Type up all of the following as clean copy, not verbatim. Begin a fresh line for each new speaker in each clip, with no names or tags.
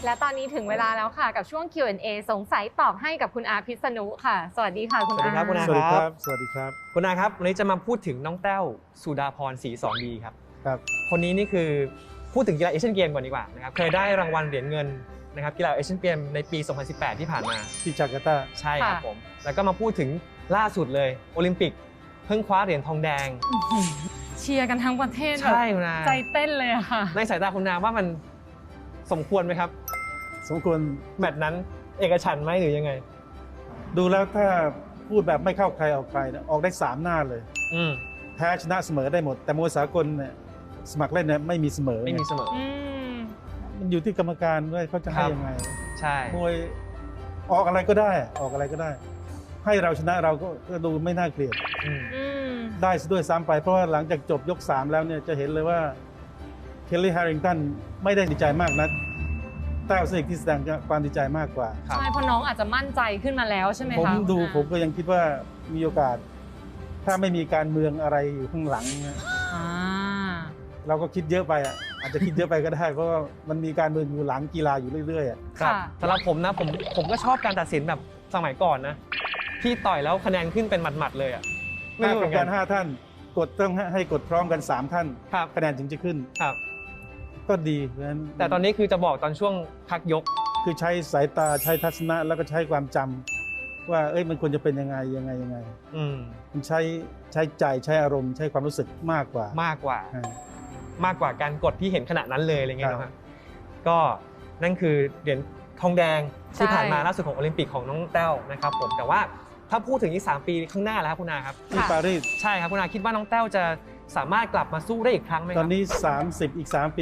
และตอนนี้ถึงเวลาแล้วค่ะกับช่วง Q&A สงสัยตอบให้กับคุณอาพิษณุค่ะสวัสดีค่ะคุณอา
สวัสดีครับคุณอา
สวัสดีครับสวัสดีครับ
คุณอาครับวันนี้จะมาพูดถึงน้องแต้วสุดาพรศรีสอนดีครับ
ครับ
คนนี้นี่คือพูดถึงกีฬาเอเชียนเกมก่อนดีกว่านะครับเคยได้รางวัลเหรียญเงินนะครับกีฬาเอเชียนเกมในปี 2018 ที่ผ่านมา
ที่จาการ์ตา
ใช่ครับผมแล้วก็มาพูดถึงล่าสุดเลยโอลิมปิกเพิ่งคว้าเหรียญทองแดง
เชียร์กันทั้งประเทศ
ใช่คุณอา
ใจเต้นเลยอะค่ะ
ในสายตาคุณอาว่ามันสมควรไหมครับ
สมควร
แมตช์นั้นเอกฉันท์ไหมหรือยังไง
ดูแล้วถ้าพูดแบบไม่เข้าใครออกใครนะออกได้3หน้าเลย
อืม
แพ้ชนะเสมอได้หมด แต่มวยสากลเนี่ยสมัครเล่นเนี่ยไม่มีเสมอ
ไม่มีเสมอ
มันอยู่ที่กรรมการด้วยเขาจะให้
ครับ
ยังไง
ใช่
มวยออกอะไรก็ได้ออกอะไรก็ได้ ให้เราชนะเราก็ดูไม่น่าเกลียด
อืม
ได้ซะด้วยซ้ำไปเพราะว่าหลังจากจบยก 3 แล้วเนี่ยจะเห็นเลยว่าเคลลี่แฮร์ริงตันไม่ได้ดีใจมากนักแต้วสนิทที่แสดงความดีใจมากกว่า
ครับ
ใช่เพราะน้องอาจจะมั่นใจขึ้นมาแล้วใช่ไหมคะ
ผมดู
คุณอา
ผมก็ยังคิดว่ามีโอกาส ถ้าไม่มีการเมืองอะไรอยู่ข้างหลังเนี่ย
อ่า
เราก็คิดเยอะไปอ่ะอาจจะคิดเยอะไปก็ได้ เพราะว่ามันมีการเมืองอยู่หลังกีฬาอยู่เรื่อยๆอ่ะ
ครับ
ค่ะ
สำหรับผมนะผมก็ชอบการตัดสินแบบสมัยก่อนนะที่ต่อยแล้วคะแนนขึ้นเป็นหมัดๆเลยอ่ะไม่
ถ้า
รู้เห
กร
มื
ร
อ
ม
นกั
กาน ร5 ท่านกดต้องให้กดพร้อมกัน3 ท่าน
ครับ
คะแนนถึงจะขึ้น
ครับ
ก็ดีเพราะฉะนั้น
แต่ตอนนี้คือจะบอกตอนช่วงพักยก
คือใช้สายตาใช้ทัศนะแล้วก็ใช้ความจำว่ามันควรจะเป็นยังไง
อืม
มันใช้ใจใช้อารมณ์ใช้ความรู้สึกมากกว่าม
ากกว่า
อ่า
มากกว่าการกดที่เห็นขณะนั้นเลยอะไรเงี้ย
ครับ
นะฮะก็นั่นคือเหรียญทองแดงที่
ใช่
ผ่านมาล่าสุดของโอลิมปิกของน้องแต้วนะครับผมแต่ว่าถ้าพูดถึงอีก3 ปีข้างหน้าแล้วครับคุณอาครับ
ที่ปารีส
ใช่ครับคุณอาคิดว่าน้องแต้วจะสามารถกลับมาสู้ได้อีกครั้งไหมค
ต
รั
อนนี้ 30 อีก 3 ปี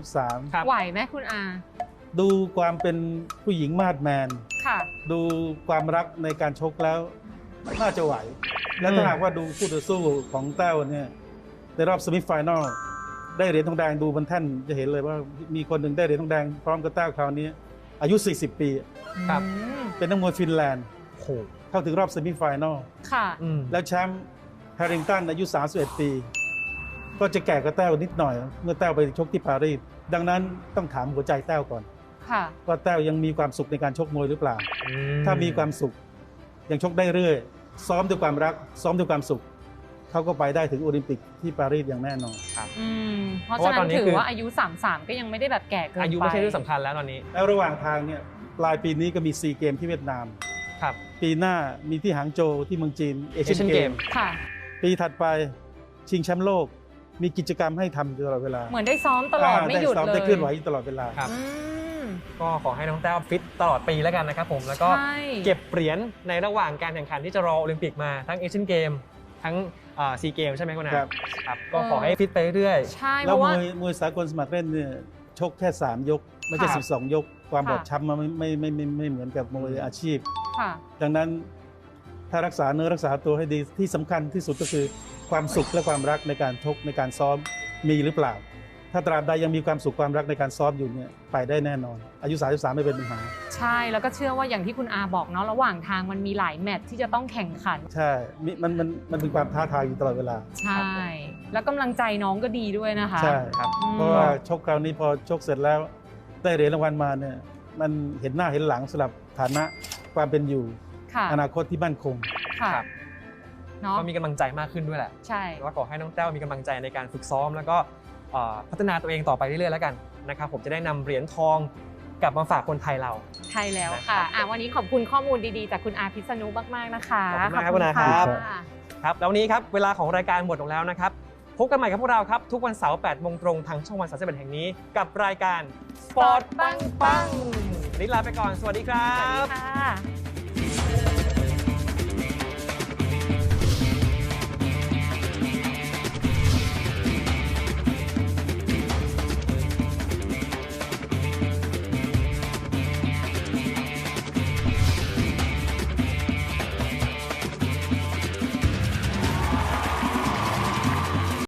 33
ครับ
ไหวไหมคุณอา
ดูความเป็นผู้หญิงมาดแมน
ค่ะ
ดูความรักในการชกแล้วน่าจะไหว และถ้าหากว่าดูคู่ต่อสู้ของแต้วเนี่ยในรอบเซมิไฟแนลได้เหรียญทองแดงดูบนแท่นจะเห็นเลยว่ามีคนหนึ่งได้เหรียญทองแดงพร้อมกับแต้วคราวนี้อายุ 40 ปี
ครับ
เป็นนักมวยฟินแลนด์
โอ้โห
เข้าถึงรอบเซมิไฟแนล
ค่ะ
อืม
แล้วแชมป์แฮร์ริงตันอายุ 31 ปี ก็จะแก่กว่าแต้วนิดหน่อย เมื่อแต้วไปชกที่ปารีสดังนั้นต้องถามหัวใจแต้วก่อน
ค่ะ
ว่าแต้วยังมีความสุขในการชกมวยหรือเปล่า
อื
ถ้ามีความสุขยังชกได้เรื่อยซ้อมด้วยความรัก ซ้อมด้วยความสุข เขาก็ไปได้ถึงโอลิมปิกที่ปารีสอย่างแน่นอน
เพราะฉะนั้นถือว่าอายุ 33 ก็ยังไม่ได้แบบแก่เกินไป
อายุไม่ใช่เรื่องสำคัญแล้วตอนนี้
แล้วระหว่างทางเนี่ยปลายปีนี้ก็มีซีเกมที่เวียดนาม
ครับ
ปีหน้ามีที่หางโจวที่เมืองจีนเอเชียน
Asian
เก
Game
ม
ค่ะ
ปีถัดไปชิงแชมป์โลก มีกิจกรรมให้ทำอยู่ตลอดเวลา
เหมือนได้ซ้อมตลอดไม่หยุด
ซ้อม
เลย
ได้เคลื่อนไหวอยู่ตลอดเวลา
ครับ
อืม
ก็ขอให้น้องแต้วฟิตตลอดปีแล้วกันนะครับผมแล้วก็
ใช่
เก็บเหรียญในระหว่างการแข่งขันที่จะรอโอลิมปิกมาทั้งเอเชียนเกมทั้งซีเกมใช่ไหมคุณอา
ครับ
ครับก็ขอให้ฟิตไปเรื่อย
ใช่เพ
แล้ว
ราะว่าม
วยสากลสมัครเล่นเนี่ยชกแค่3 ยก ไม่ใช่
ค่ะ
12 ยก ความ
ค่ะ
บอบช้ำมันไม่เหมือนกับมวยอาชีพ
ค่ะ
ดังนั้นถ้ารักษาเนื้อรักษาตัวให้ดีที่สำคัญที่สุดก็คือความสุขและความรักในการชกในการซ้อมมีหรือเปล่า ถ้าตราบใดยังมีความสุขความรักในการซ้อมอยู่เนี่ยไปได้แน่นอน อายุ 33 ไม่เป็นปัญหา
ใช่แล้วก็เชื่อว่าอย่างที่คุณอาบอกเนาะระหว่างทางมันมีหลายแมตช์ที่จะต้องแข่งขัน
ใช่มันเป็นความท้าทายอยู่ตลอดเวลา
ใช่ แล้วกำลังใจน้องก็ดีด้วยนะคะ
ใช่
ๆครับ
อืม
เพราะว่าชกคราวนี้พอชกเสร็จแล้วได้เหรียญรางวัลมาเนี่ยมันเห็นหน้าเห็นหลังสำหรับฐานะความเป็นอยู่
ค่ะ
อนาคตที่มั่นคง
ค่ะ
ครับ
เนาะ
ก็มีกำลังใจมากขึ้นด้วยแหละ
ใช่
แล้วก็ขอให้น้องแต้วมีกำลังใจในการฝึกซ้อม แล้วก็พัฒนาตัวเองต่อไปเรื่อยๆแล้วกันนะครับผมจะได้นำเหรียญทองกลับมาฝากคนไทยเรา
ใช่แล้วค่ะวันนี้ขอบคุณข้อมูลดีๆจากคุณอาพิษณุมากๆนะคะ
ขอบคุณมากครับคุณอาครับ
ะ
ครับแล้ววันนี้ครับเวลาของรายการหมดลงแล้วนะครับพบกันใหม่กับพวกเราครับทุกวันเสาร์ 8 โมงตรงทางช่องวัน31แห่งนี้กับรายการ Sport ปังปังวันนี้ลาไปก่อนสวัสดีครั
สวัสดี
บ
ค่ะ